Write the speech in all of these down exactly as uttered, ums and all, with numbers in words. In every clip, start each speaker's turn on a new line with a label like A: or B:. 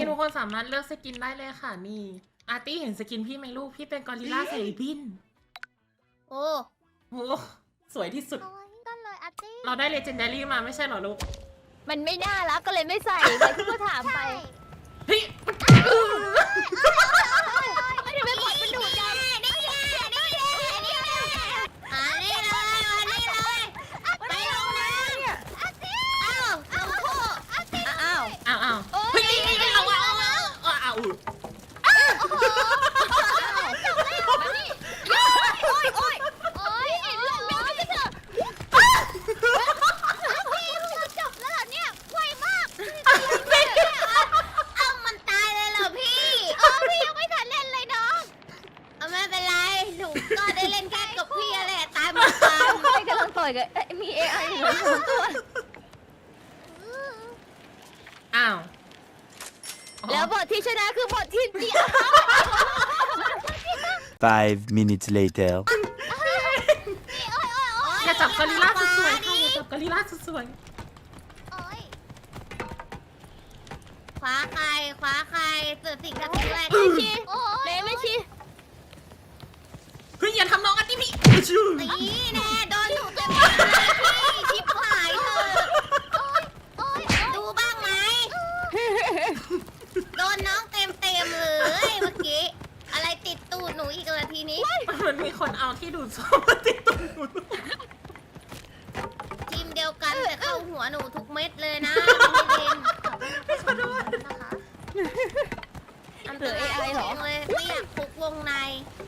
A: ทุกคนสามารถเลือกสกินได้เลยค่ะนี่อาร์ตี้เห็นสกินพี่ไหมลูกพี่เป็นกอริลลาใส่บิน
B: โอ้
A: โหสวยที่สุด
B: ก็เลยอาร์ตี้
A: เราได้เลเจนดารี่มาไม่ใช่เหรอลูก
B: มันไม่น่ารักก็เลยไม่ใส่เลยที่ก็ถามไป
A: เฮ้ย
B: ไม่ได้ไปกดมันดูดกันนี่นี่นี่นี่อันนี้เลยอันนี้เลยไปลงน้ำเนี่ยอาร์ตี้อ้าวลงโคอาร์ตี้อ้าว
A: อ้าวอ้าวเฮ้ยเอาเอาเอาเอาเอา
B: จบแล้วมานี่โอ้ยโอ้ยโอ้ยลงน้ำไปเถอะพี่เราจบแล้วเหรอเนี่ยไวมากเอามันตายเลยเหรอพี่เออพี่ยังไม่ทันเล่นเลยน้องเอาไม่เป็นไรหนูก็ได้เล่นแค่กับพี่แหละตายหมดกันไม่กำลังต่อยกับมีเอไออยู่สองตัว
A: อ้าว
B: แล้วบทที่ชนะคือบทที่เดียว
C: Five minutes later
A: อย่าจับกอริลลาสวยๆค่ะอย่าจับกอริลลาสวย
B: คว้าใครคว้าใครเสือสิงกับสิงแรกไม่ชีเมย์ไม่ชี
A: เฮ้ยอย่าทำน้องอาร์ตี้พี่
B: ตีแน่โดนหนูเต็มพี่ชิบหายเธอดูบ้างไหมโดนน้องเต็มเต็มเลยเมื่อกี้อะไรติดตูดหนูอีกเลยทีนี้
A: มันมีคนเอาที่ดูดซ่วมมาติดตูดหนู
B: ทีมเดียวกันแต่เข้าหัวหนูทุกเม็ดเลยนะพี่ลิน
A: ไม่ขอโทษ
B: นะคะอันเตอร์เอไอหรอเลยไม่อยากคุกวงใน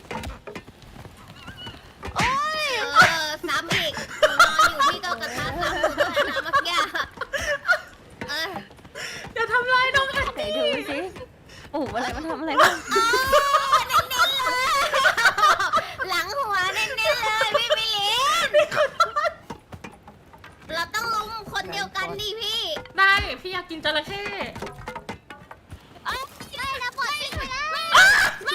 B: โอ้ยเออซ้ำอีกนอนอยู่ที่เกากระทะซ้ำอยู่ด้วยนะเมื่อกี้เออ
A: อย่าทำร้ายน้องอาร์ตี้
B: ดูสิโอ้อะไรมันทำอะไรบ้างเน้นๆเลยหลังหัวเน้นๆเลยพี่มิลินเราต้องลุมคนเดียวกันดิพี่
A: ได้พี่อยากกินจระเข้
B: ได้นะปล่อยไปแล้วไม่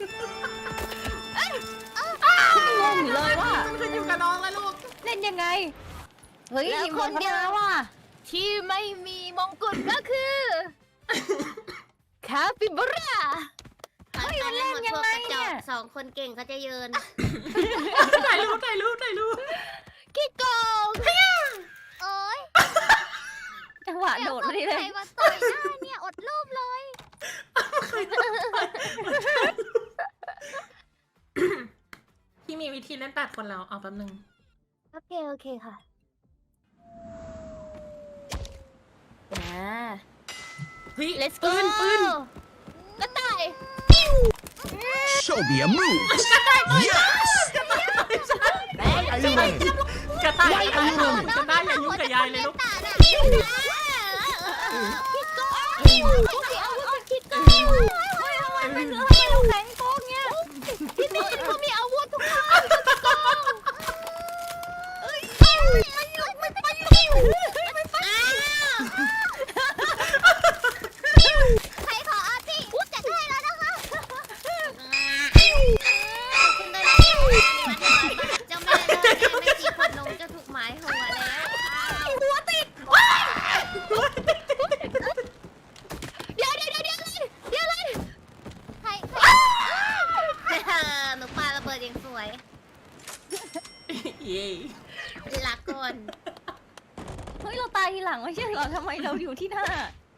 B: งงอยู่เลยว่า
A: มันขึ้นอยู่กับน้องแล้วลูก
B: เล่นยังไงเฮ้ยมีคนเดียวว่ะที่ไม่มีมงกุฎก็คือคาปิบาร่าเฮ้ยมันเล่นยังไงเนี่ยสองคนเก่งก็จะเยิน
A: ถ่ายรูปถ่ายรูปถ่ายรูป
B: ขี้โกงโอ้ยจังหวะโดดมาดิเลยใครมาต่อยหน้าเนี่ยอดรูปเลย
A: พี่มีวิธีเล่นแปดคนแล้วเอาแป๊บนึง
B: โอเคโอเคค่ะนะ
A: เฮ้ย
B: let's go
A: ปืนปืน
B: กระต่าย
C: Show me a move Yes
A: กระต่ายกระต่ายกระต่ายอย่ายุ่งกับยายเลยลูก
B: คิดก่อนคิดก่อนคิดก่อนไม่เหลือให้เราแข็งโกงเนี่ยพี่มินเขามีอาวุธทุกคนทุกคนเอ้ยมันหยุดมันไปหยุดมันไปใครขออาร์ตี้พูดจัดให้แล้วนะคะคุณได้เจ้าแม่ไม่จีบคนนมจะถูกหมายหัวแล้วหัวติดเดี๋ยวเดี๋ยวเดี๋ยวเดี๋ยวเลยเดี๋ยวเลยใครใครหนูปาระเบิดอย่างสวย
A: เย้
B: ลักก่อนเฮ้ยเราตายทีหลังไม่ใช่เหรอทำไมเราอยู่ที่หน้า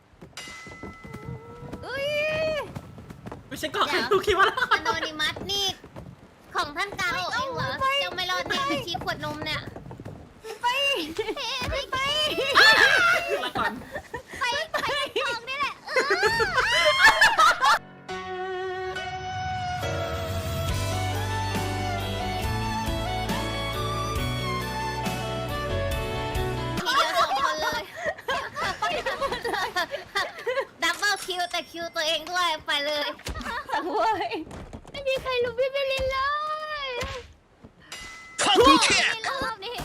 B: เอ้ย
A: ไม่ใช่ก่อนลูกคิดว่า
B: อโนนิมัสนี่ของท่านกาโอเองเหรอยังไม่รอดเนี่ยไม่ชี้ขวดนมเนี่ยไปไปไป
A: มาก่อน
B: ไปไปทองนี่แหละทีเดียวสองคนเลยดับเบิลคิวแต่คิวตัวเองด้วยไปเลยโว้ยไม่มีใครรู้พี่เบลลินเลยรอบนี้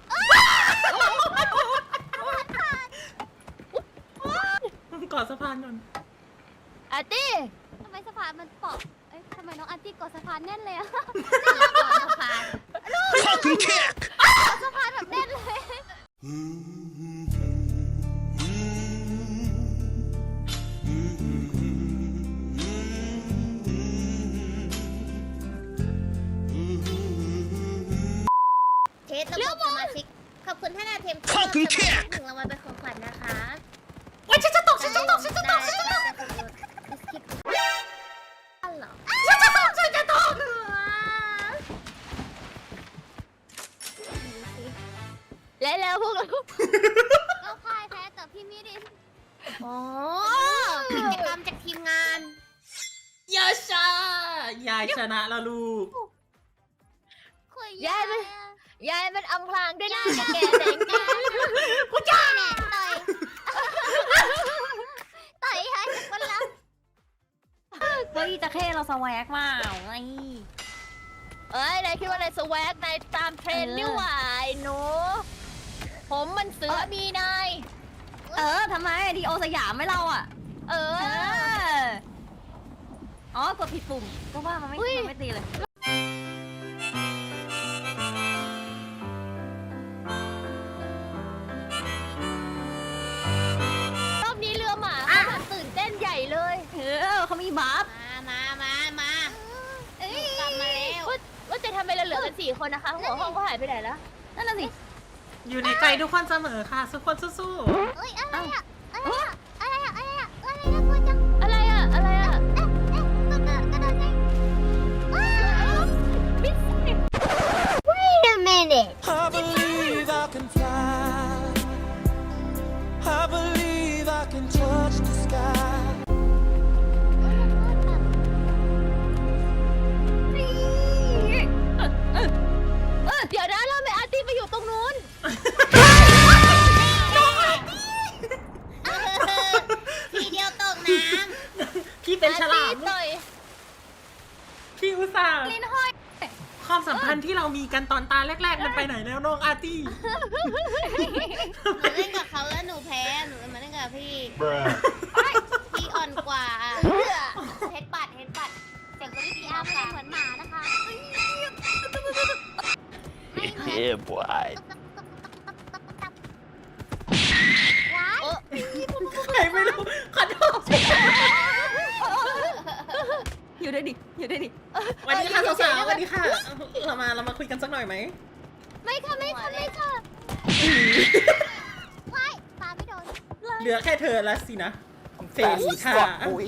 A: กอดสะพานก่อน
B: อาร์ตี้ทำไมสะพานมันเปาะเอ้ยทำไมน้องอาร์ตี้กอดสะพานแน่นเลยอะกอดสะพานกอดสะพานแบบแน่นเลยมาชิกขอบคุณท่านอาเทม
C: ขอบคุณแขก
B: หนึ่งรางวัลเป็นของขวัญนะคะ
A: โอ๊ยฉันจะตกฉันจะตกฉันจะตกฉันจะตก
B: บิสกิตอันเหรอ
A: ฉันจะตกฉันจะตก
B: และแล้วพวกเราก็พ่ายแพ้ต่อพี่มิรินโอ้กิจกรรมจากทีมงาน
A: ยาชายายชนะแล้วลูก
B: ยายมันยายมันอำพรางด้วยหน้าแก่แดงแก่กูจ้าเนี่ยต่อยต่อยให้คนละ
D: เฮ้ยตะเข้เราสแวกมากไง
B: เอ้ยนายคิดว่านายสแวกนายตามเทรนด์นี่หว่าไอ้หนูผมมันเสือมีนาย
D: เออทำไมดีโอสยามไม่เราอ่ะ
B: เอ
D: เอ
B: อ
D: ออ๋อกดผิดปุ่มก็ว่ามันไม่
B: อุ๊ย
D: มันไม่ตีเลย
B: รอบนี้เรือหมาเขาแบบตื่นเต้นใหญ่เลย
D: เออเขามีบัฟ
B: มามามามาเอ้ยกลับมาแล้วว่าว่าจะทำไมเราเหลือกันสี่คนนะคะ หัวห้องก็หายไปไหนแล้ว
D: นั่นน่ะสิ
A: อยู่ในใจทุกคนเสมอค่ะทุกคนสู้
B: เอ้ยอะไรอะอะไรอะอะไรอะอะไรอะอะไรนะกลัวจังอะไรอะอะไรอะเอ๊ะเอ๊ะกระโดดกระโดดไงว้าวมิสซิ Wait a minute
C: I believe I can fly. I believe I can touch the sky.
B: เดี๋ยวนะเราไม่อาร์ตี้ไปอยู่ตรงนู้น ทีเดียวตกน้
A: ๆ พี่
B: ำ
A: เป็นฉลาม
B: ต่อย
A: พี่อุตส่าห์
D: ลิ้นห้อย
A: ความสัมพันธ์ที่เรามีกันตอนตาแรกๆ มันไปไหนแล้วน้องอาร์ตี้
B: หนูเล่นกับเขาแล้วหนูแพ้หนูเลยมาเล่นกับพี่
C: Bruh.
B: พี่อ่อนกว่าเฮดปัดเฮดปัดเสียงตัวพี่อาร์ไม่ได้เหมือนหมานะคะ
C: Yeah, boy.
B: ว้าย
A: ใครไม่รู้ขอโทษ
D: อยู่ด้วยดิอยู่ด้วยดิ
A: วันนี้ค่ะสาวๆวันนี้ค่ะ เรามาเรามาคุยกันสักหน่อยไหม
B: ไม่ค่ะไม่ค่ะไม่ค่ะว้ายปาไม่โดน
A: เหลือแค่เธอแล้วสินะ เฟรี
C: Fast as
A: ค่ะ
C: fuck, boy.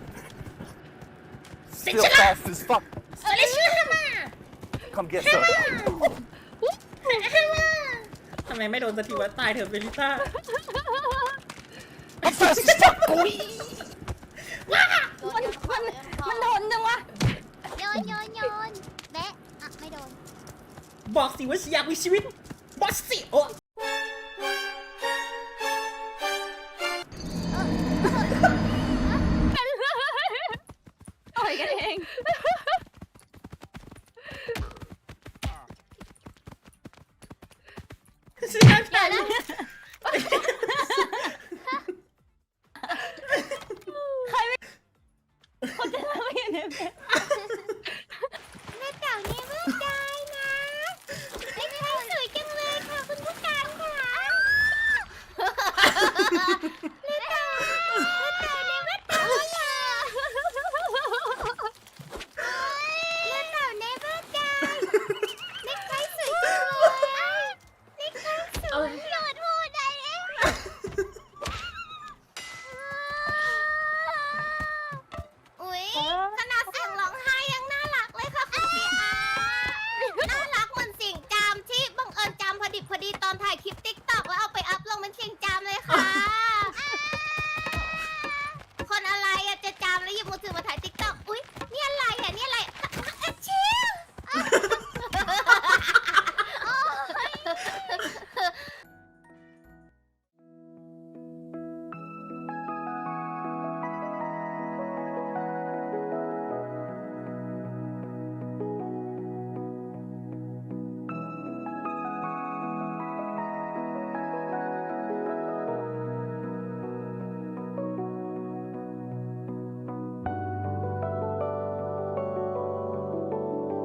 A: เซ็น
C: Still
A: ชนะ
C: fast as fuck.
A: เซ็นชนะมา
C: Come get some.
A: ทำไมไม่โดนสักทีวะตายเถอะเบลิต้า
C: I'm fast as fuck, boy.
D: มันมันมันทนจังวะ
B: โยนโยนโยนแบะอ่ะไม่โดน
A: บอกสิว่าอยากมีชีวิตบอกสิโอ้
D: ต่อยกันเอง
A: เสียใจ
B: เดี๋ยวนะ